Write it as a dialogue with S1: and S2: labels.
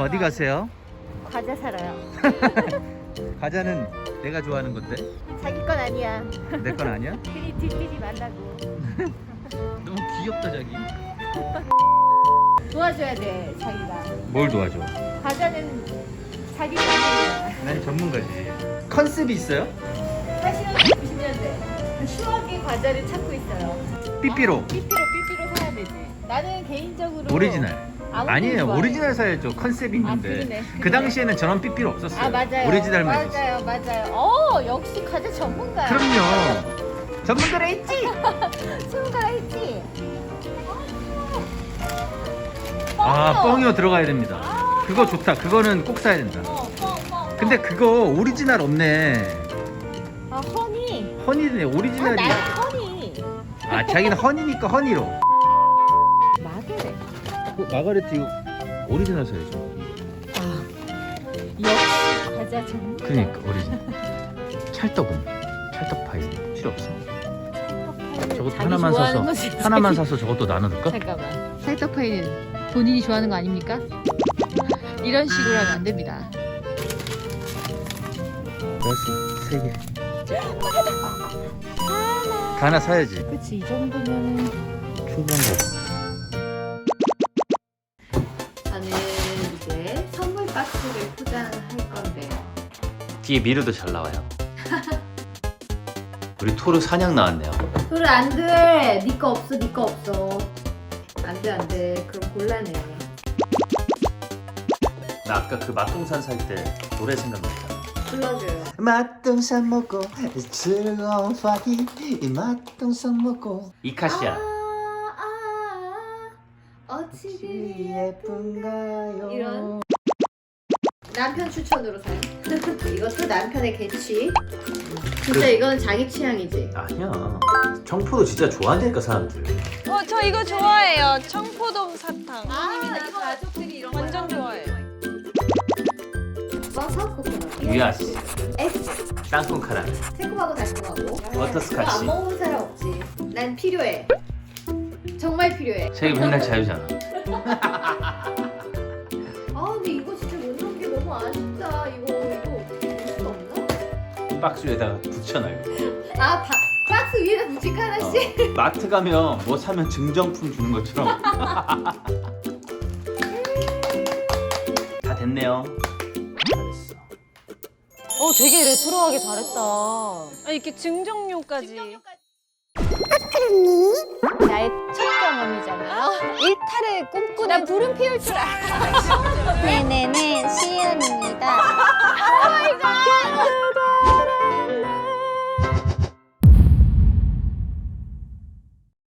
S1: 어디 가세요?
S2: 과자 사러요.
S1: 과자는 내가 좋아하는 건데
S2: 자기 건 아니야.
S1: 내 건 아니야?
S2: 괜히 들뜨지 말라고.
S1: 너무 귀엽다 자기.
S2: 도와줘야 돼 자기가.
S1: 뭘 도와줘?
S2: 과자는 자기 전문이야.
S1: 난 전문가지. 컨셉이 있어요?
S2: 80년대 90년대 추억의 과자를 찾고 있어요.
S1: 삐삐로.
S2: 삐삐로 사야 되지. 나는 개인적으로
S1: 오리지널.
S2: 아무튼
S1: 아니에요.
S2: 좋아해.
S1: 오리지널 사야죠. 컨셉이 있는데.
S2: 그러네.
S1: 그 당시에는 저런 삐삐로 없었어요.
S2: 아 맞아요.
S1: 오리지널만 있었어요.
S2: 맞아요. 역시 과자 전문가야.
S1: 그럼요. 전문가라 했지.
S2: 전문가라 했지.
S1: 아 뻥이요 들어가야 됩니다. 그거 좋다. 그거는 꼭 사야 된다.
S2: 뻥.
S1: 근데 그거 오리지널 없네.
S2: 아 허니.
S1: 허니네 오리지널이.
S2: 나는 허니.
S1: 아 자기는 허니니까 허니로.
S2: 마그레.
S1: 마가레트 이거 오리지널 사야죠.
S2: 역시 과자 전문가.
S1: 그러니까 오리지널. 찰떡은 찰떡 파이 필요 없어. 저것도
S2: 자기
S1: 하나만
S2: 좋아하는
S1: 사서
S2: 거지,
S1: 하나만
S2: 자기.
S1: 사서 저것도 나눠둘까?
S2: 잠깐만. 찰떡파이는 본인이 좋아하는 거 아닙니까? 이런 식으로 하면 안 됩니다.
S1: 알았어. 3개. 다 하나 사야지.
S2: 그치 이 정도면은.
S1: 충분한 거.
S2: 저는 이제 선물 박스를 포장할 건데요.
S1: 뒤에 미르도 잘 나와요. 우리 토르 사냥 나왔네요.
S2: 그래 안돼. 네 거 없어. 네 거 없어. 안돼. 그럼 곤란해.
S1: 나 아까 그 맛동산 살 때 노래 생각났다.
S2: 불러줘요.
S3: 맛동산 먹고 즐거운 파티 이 맛동산 먹고
S1: 이카시아.
S2: 어찌 그리
S3: 예쁜가요?
S2: 이런 남편 추천으로 사요. 이것도 남편의 개취. 진짜 이건 자기 취향이지.
S1: 아니야. 청포도 진짜 좋아한다니까 사람들.
S4: 저 이거 좋아해요. 청포동 사탕.
S2: 이거 가족들이 이런
S4: 완전 좋아해요.
S2: 버섯 코코넛.
S1: 유아씨.
S2: S.
S1: 땅콩 카라멜.
S2: 새콤하고 달콤하고.
S1: 버터스카치.
S2: 이거 안 먹는 사람 없지. 난 필요해. 정말 필요해.
S1: 자기 맨날 자유잖아.
S2: 근데 이거 진짜 못 넣은 게 너무 아쉽다. 이거 볼 수가 없나?
S1: 박스에다가 붙여놔요.
S2: 박스 위에다 붙일까 하나씩?
S1: 마트 가면 뭐 사면 증정품 주는 것처럼. 다 됐네요. 잘했어.
S4: 되게 레트로하게 잘했다. 이렇게 증정료까지.
S2: 나의 첫 경험이잖아요.
S4: 일탈을 꿈꾸는.
S2: 나 불은 피울 줄 알아.
S4: 네네네, 시은입니다.
S2: 오 마이 갓.